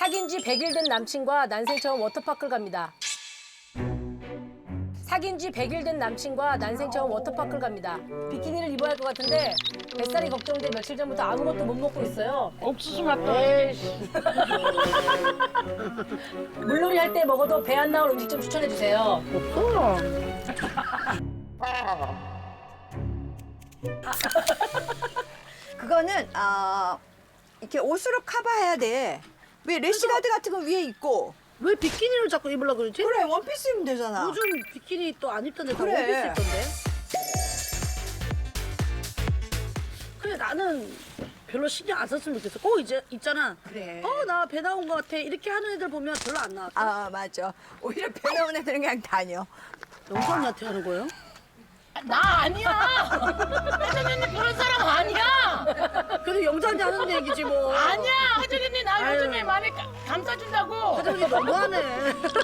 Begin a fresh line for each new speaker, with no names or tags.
사귄 지 100일 된 남친과 난생 처음 워터파크를 갑니다. 사귄 지 100일 된 남친과 난생 처음 워터파크를 갑니다. 비키니를 입어야 할 것 같은데 뱃살이 걱정돼 며칠 전부터 아무것도 못 먹고 있어요.
옥수수 맛도.
물놀이 할 때 먹어도 배 안 나올 음식 좀 추천해 주세요.
없어.
그거는 이렇게 옷으로 커버해야 돼. 왜 래시가드 같은 거 위에 입고.
왜 비키니를 자꾸 입으려고 그러지?
그래 원피스 입으면 되잖아.
요즘 비키니 또 안 입던데 다
그래.
원피스 입던데. 그래 나는 별로 신경 안 썼으면 좋겠어. 꼭 이제 있잖아.
그래.
나 배 나온 것 같아. 이렇게 하는 애들 보면 별로 안 나와.
맞아. 오히려 배 나온 애들은 그냥 다녀.
영수 언니한테 하는 거예요?
나 아니야. 혜정이 그런 사람 아니야.
그래도 영수 언니 하는 얘기지 뭐.
아니야. 혜정이 나
아유.
요즘에 많이 감싸준다고.
혜정이 너무하네.